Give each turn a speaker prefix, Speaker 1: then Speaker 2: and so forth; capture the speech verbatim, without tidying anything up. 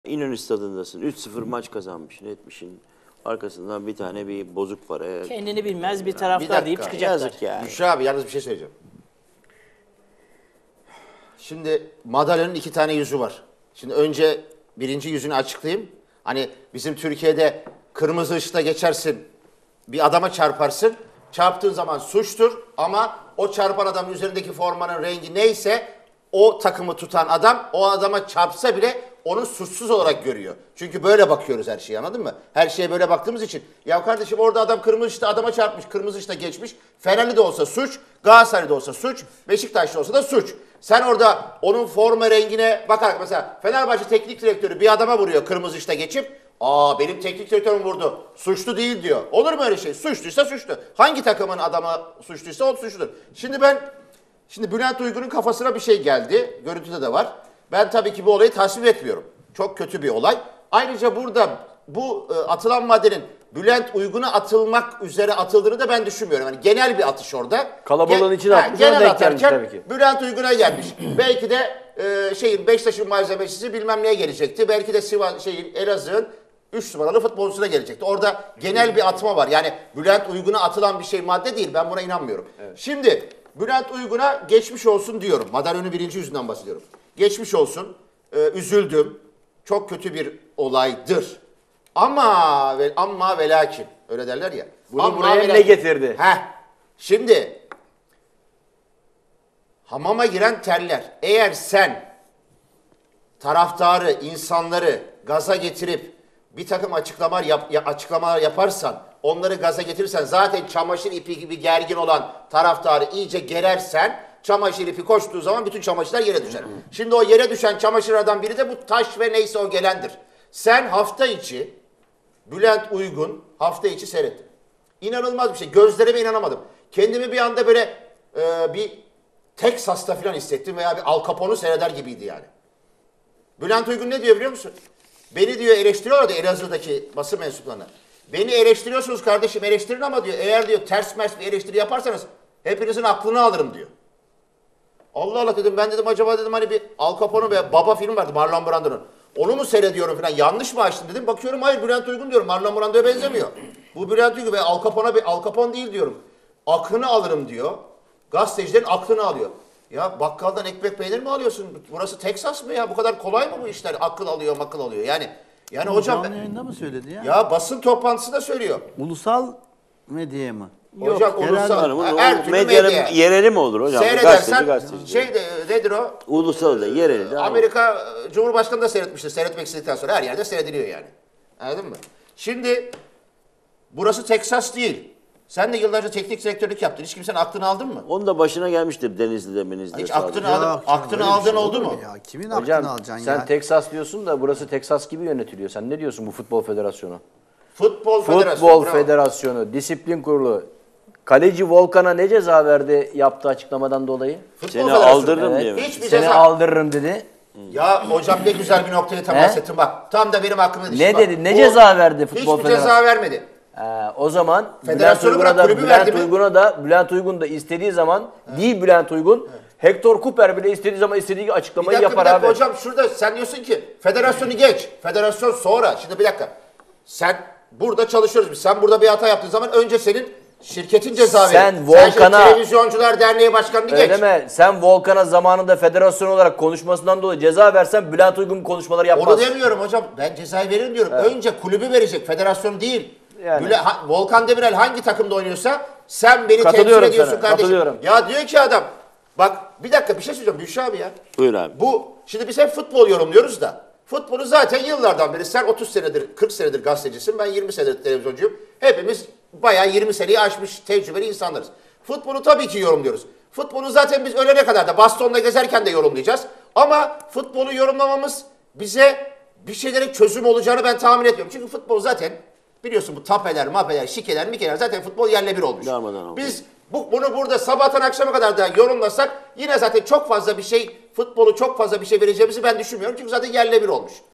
Speaker 1: İnönü Stadı'ndasın. üç sıfır maç kazanmışsın, etmişsin. Arkasından bir tane bir bozuk para.
Speaker 2: Kendini bilmez bir
Speaker 3: Bir
Speaker 2: taraftar
Speaker 3: dakika,
Speaker 2: deyip çıkacaklar.
Speaker 1: Yazık yani.
Speaker 3: Büşra abi yalnız bir şey söyleyeceğim. Şimdi madalyonun iki tane yüzü var. Şimdi önce birinci yüzünü açıklayayım. Hani bizim Türkiye'de kırmızı ışıkta geçersin, bir adama çarparsın. Çarptığın zaman suçtur ama o çarpan adamın üzerindeki formanın rengi neyse o takımı tutan adam o adama çarpsa bile onu suçsuz olarak görüyor. Çünkü böyle bakıyoruz her şeye, anladın mı? Her şeye böyle baktığımız için. Ya kardeşim orada adam kırmızı ışıkta adama çarpmış, kırmızı ışıkta geçmiş. Fenerli de olsa suç, Galatasaray'da olsa suç, Beşiktaş'ta olsa da suç. Sen orada onun forma rengine bakarak mesela Fenerbahçe teknik direktörü bir adama vuruyor kırmızı ışıkta geçip aa benim teknik direktörüm vurdu. Suçlu değil diyor. Olur mu öyle şey? Suçluysa suçlu. Hangi takımın adamı suçluysa o suçludur. Şimdi ben şimdi Bülent Uygun'un kafasına bir şey geldi. Görüntüde de var. Ben tabii ki bu olayı tasvip etmiyorum. Çok kötü bir olay. Ayrıca burada bu e, atılan maddenin Bülent Uygun'a atılmak üzere atıldığını da ben düşünmüyorum. Yani genel bir atış orada.
Speaker 4: Kalabalığın içine atmış, ona
Speaker 3: genel
Speaker 4: denk gelmiş
Speaker 3: atarken
Speaker 4: tabii ki.
Speaker 3: Bülent Uygun'a gelmiş. Belki de e, şeyin Beşiktaş'ın malzemecisi bilmem neye gelecekti. Belki de Sivas şeyin Elazığ'ın üç numaralı futbolcusuna gelecekti. Orada genel bir atma var. Yani Bülent Uygun'a atılan bir şey madde değil. Ben buna inanmıyorum. Evet. Şimdi Bülent Uygun'a geçmiş olsun diyorum. Madalyonun birinci yüzünden bahsediyorum. Geçmiş olsun. Ee, üzüldüm. Çok kötü bir olaydır. Ama ve ama ve lakin öyle derler ya.
Speaker 4: Bunu
Speaker 3: Amma
Speaker 4: buraya
Speaker 3: ve
Speaker 4: ne
Speaker 3: lakin.
Speaker 4: getirdi?
Speaker 3: Heh. Şimdi hamama giren terler. Eğer sen taraftarı, insanları gaza getirip bir takım açıklamalar, yap, açıklamalar yaparsan, onları gaza getirirsen, zaten çamaşır ipi gibi gergin olan taraftarı iyice gerersen, çamaşır ipi koştuğu zaman bütün çamaşırlar yere düşer. Şimdi o yere düşen çamaşırlardan biri de bu taş ve neyse o gelendir. Sen hafta içi, Bülent Uygun hafta içi seyrettin. İnanılmaz bir şey. Gözlerime inanamadım. Kendimi bir anda böyle e, bir Teksas'ta falan hissettim veya bir Al Capone'u seyreder gibiydi yani. Bülent Uygun ne diyor biliyor musun? Beni diyor eleştiriyorlar da Elazığ'daki basın mensuplarına. Beni eleştiriyorsunuz kardeşim, eleştirin ama diyor eğer diyor ters mers bir eleştiri yaparsanız hepinizin aklını alırım diyor. Allah Allah dedim, ben dedim acaba dedim hani bir Al Capone ve Baba film vardı Marlon Brando'nun. Onu mu seyrediyorum falan, yanlış mı açtım dedim. Bakıyorum hayır, Bülent Uygun diyorum, Marlon Brando'ya benzemiyor. Bu Bülent Uygun ve Al Capone'a bir Al Capone değil diyorum. Aklını alırım diyor. Gazetecilerin aklını alıyor. Ya bakkaldan ekmek peynir mi alıyorsun? Burası Teksas mı ya? Bu kadar kolay mı bu işler? Akıl alıyor, makıl alıyor. Yani yani
Speaker 5: Bu
Speaker 3: hocam
Speaker 5: canlı yayında mı söyledi ya?
Speaker 3: ya basın toplantısında söylüyor.
Speaker 5: Ulusal medyaya mı?
Speaker 3: Hocam
Speaker 5: genel-
Speaker 3: ulusal
Speaker 1: Hanım, o
Speaker 3: her türlü
Speaker 1: medyanın
Speaker 3: medya.
Speaker 1: yereli mi olur hocam? Gazeteci,
Speaker 3: Seyredersen
Speaker 1: gazeteci.
Speaker 3: şey de, nedir o?
Speaker 1: Ulusal da yereli de.
Speaker 3: Amerika Cumhurbaşkanı da seyretmiştir. Seyretmek istedikten sonra her yerde seyrediliyor yani. Anladın mı? Şimdi burası Teksas değil. Sen de yıllarca teknik direktörlük yaptın. Hiç kimsenin aklını aldın mı?
Speaker 1: Onun da başına gelmiştir Denizli'de, Menizli'de.
Speaker 3: Hiç
Speaker 1: sağ olun.
Speaker 3: aklını
Speaker 5: Yok
Speaker 3: aldın,
Speaker 5: canım,
Speaker 3: aklını
Speaker 5: öyle bir
Speaker 3: aldın
Speaker 5: şey
Speaker 3: oldu
Speaker 5: olur
Speaker 3: mu?
Speaker 5: Ya? Kimin
Speaker 4: Hocam
Speaker 5: aklını alacaksın
Speaker 4: sen
Speaker 5: ya?
Speaker 4: Teksas diyorsun da burası Teksas gibi yönetiliyor. Sen ne diyorsun bu futbol federasyonu?
Speaker 3: Futbol Federasyonu.
Speaker 4: Futbol
Speaker 3: bravo.
Speaker 4: Federasyonu, Disiplin Kurulu. Kaleci Volkan'a ne ceza verdi yaptığı açıklamadan dolayı?
Speaker 3: Futbol
Speaker 1: Seni
Speaker 3: Federasyonu.
Speaker 1: aldırırım
Speaker 4: Evet.
Speaker 1: diye mi?
Speaker 3: Hiçbir
Speaker 4: Seni
Speaker 3: ceza.
Speaker 4: aldırırım dedi.
Speaker 3: Ya hocam ne güzel bir noktaya temas
Speaker 4: He?
Speaker 3: ettin bak. Tam da benim aklıma düştü.
Speaker 4: Ne
Speaker 3: bak.
Speaker 4: dedi? Ne
Speaker 3: Bu-
Speaker 4: ceza verdi futbol
Speaker 3: Hiçbir ceza
Speaker 4: federasyonu?
Speaker 3: vermedi.
Speaker 4: Ee, o zaman Bülent
Speaker 3: Federasyonu
Speaker 4: Uygun'a
Speaker 3: bırak,
Speaker 4: da
Speaker 3: kulübü
Speaker 4: Bülent
Speaker 3: verdi mi?
Speaker 4: Uygun'a da Bülent Uygun da istediği zaman değil Bülent Uygun. Hector Cooper bile istediği zaman istediği
Speaker 3: Bir
Speaker 4: açıklamayı
Speaker 3: dakika, bir
Speaker 4: yapar
Speaker 3: dakika
Speaker 4: abi.
Speaker 3: hocam, şurada sen diyorsun ki federasyonu geç. Federasyon sonra. Şimdi bir dakika. Sen burada çalışıyoruz biz. Sen burada bir hata yaptığın zaman önce senin şirketin ceza verir.
Speaker 4: Sen
Speaker 3: şimdi
Speaker 4: Volkan'a-
Speaker 3: Televizyoncular Derneği Başkanı'nı
Speaker 4: Öyle
Speaker 3: geç.
Speaker 4: mi? Sen Volkan'a zamanında federasyon olarak konuşmasından dolayı ceza versen Bülent Uygun konuşmaları yapmaz.
Speaker 3: Onu demiyorum hocam. Ben cezayı veririm diyorum. Önce kulübü verecek. Federasyon değil.
Speaker 4: Yani.
Speaker 3: Güle- ha- Volkan Demirel hangi takımda oynuyorsa sen beni temsil
Speaker 4: Katılıyorum
Speaker 3: ediyorsun
Speaker 4: sana,
Speaker 3: kardeşim.
Speaker 4: katılıyorum.
Speaker 3: Ya diyor ki adam, bak bir dakika bir şey söyleyeceğim Büşra abi ya.
Speaker 1: Buyur abi.
Speaker 3: Bu şimdi biz hep futbol yorumluyoruz da. Futbolu zaten yıllardan beri, sen otuz senedir, kırk senedir gazetecisin. Ben yirmi senedir televizyoncuyum. Hepimiz bayağı yirmi seneyi aşmış tecrübeli insanlarız. Futbolu tabii ki yorumluyoruz. Futbolu zaten biz ölene kadar da bastonla gezerken de yorumlayacağız. Ama futbolu yorumlamamız bize bir şeylere çözüm olacağını ben tahmin etmiyorum. Çünkü futbol zaten biliyorsun bu tapeler, mapeler, şikeler, mikeler zaten futbol yerle bir olmuş.
Speaker 1: Darmadan olmuş.
Speaker 3: Biz bu, bunu burada sabahtan akşama kadar da yorumlasak yine zaten çok fazla bir şey, futbolu çok fazla bir şey vereceğimizi ben düşünmüyorum. Çünkü zaten yerle bir olmuş.